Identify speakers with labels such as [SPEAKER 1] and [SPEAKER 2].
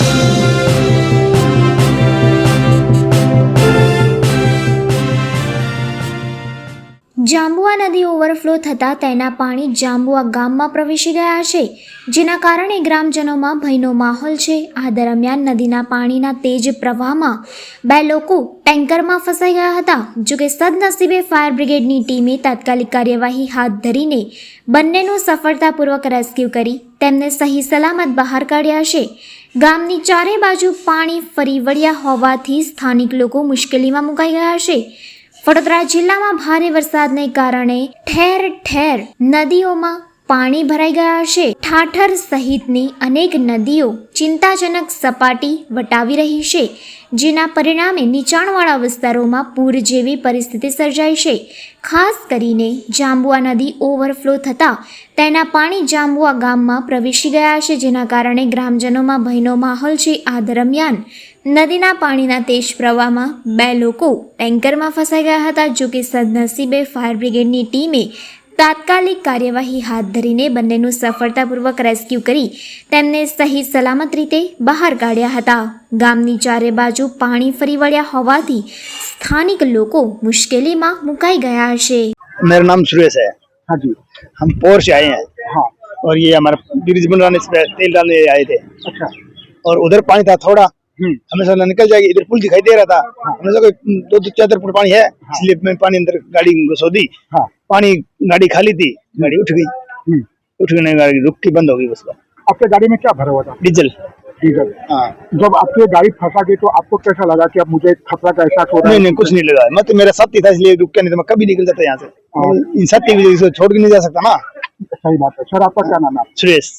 [SPEAKER 1] જાંબુઆ નદી ઓવરફ્લો થતાં તેના પાણી જાંબુઆ ગામમાં પ્રવેશી ગયા છે, જેના કારણે ગ્રામજનોમાં ભયનો માહોલ છે। આ દરમિયાન નદીના પાણીના તેજ પ્રવાહમાં 2 લોકો ટેન્કરમાં ફસાઈ ગયા હતા। જોકે સદનસીબે ફાયર બ્રિગેડની ટીમે તાત્કાલિક કાર્યવાહી હાથ ધરીને બંનેનું સફળતાપૂર્વક રેસ્ક્યુ કરી તેમને સહી સલામત બહાર કાઢ્યા છે। ગામની ચારે બાજુ પાણી ફરી વળ્યા હોવાથી સ્થાનિક લોકો મુશ્કેલીમાં મુકાઈ ગયા છે। વડોદરા જિલ્લામાં ભારે વરસાદને કારણે ઠેર ઠેર નદીઓમાં પાણી ભરાઈ ગયા છે। ઠાઠર સહિતની અનેક નદીઓ ચિંતાજનક સપાટી વટાવી રહી છે, જેના પરિણામે નીચાણવાળા વિસ્તારોમાં પૂર જેવી પરિસ્થિતિ સર્જાઈ છે। ખાસ કરીને જાંબુઆ નદી ઓવરફ્લો થતાં તેના પાણી જાંબુઆ ગામમાં પ્રવેશી ગયા છે, જેના કારણે ગ્રામજનોમાં ભયનો માહોલ છે। આ દરમિયાન નદીના પાણીના તેજ પ્રવાહમાં 2 લોકો ટેન્કરમાં ફસાઈ ગયા હતા। જો કે સદનસીબે ફાયર બ્રિગેડની ટીમે તાત્કાલિક કાર્યવાહી હાથ ધરીને બંનેનું સફળતાપૂર્વક રેસ્ક્યુ કરી તેમને સહી સલામત રીતે બહાર કાઢ્યા હતા। ગામની ચારે બાજુ પાણી ફરી વળ્યા હોવાથી સ્થાનિક લોકો મુશ્કેલીમાં મુકાઈ ગયા છે।
[SPEAKER 2] मेरा नाम सुरेश है।
[SPEAKER 3] हाँ जी।
[SPEAKER 2] हम पोर से आए हैं।
[SPEAKER 3] हाँ।
[SPEAKER 2] और ये हमारा ब्रिज बनवाने से तेल डालने आए थे।
[SPEAKER 3] अच्छा।
[SPEAKER 2] और उधर पानी था थोड़ा, हमें सोचा निकल जाएगी, इधर पुल दिखाई दे रहा था। हमने सोचा 2-4 फुट पानी है, इसलिए मैं पानी अंदर गाड़ी घुसो दी।
[SPEAKER 3] हाँ।
[SPEAKER 2] पानी गाड़ी खाली थी, गाड़ी उठ गई। उठ गई, गाड़ी रुक के बंद हो गई। उसका
[SPEAKER 3] आपके गाड़ी में क्या भरा हुआ था?
[SPEAKER 2] डीजल।
[SPEAKER 3] डीजल।
[SPEAKER 2] हाँ।
[SPEAKER 3] जब आपकी गाड़ी फंसा गई तो आपको कैसा लगा कि अब मुझे खतरा का एहसास हो रहा है?
[SPEAKER 2] नहीं, कुछ नहीं लगा। मैं तो मेरा साथी था इसलिए रुक के, नहीं तो मैं कभी निकल जाता यहाँ से। इन साथी की वजह से छोड़ के नहीं जा सकता ना।
[SPEAKER 3] सही बात है। सर, आपका क्या नाम है?
[SPEAKER 2] सुरेश।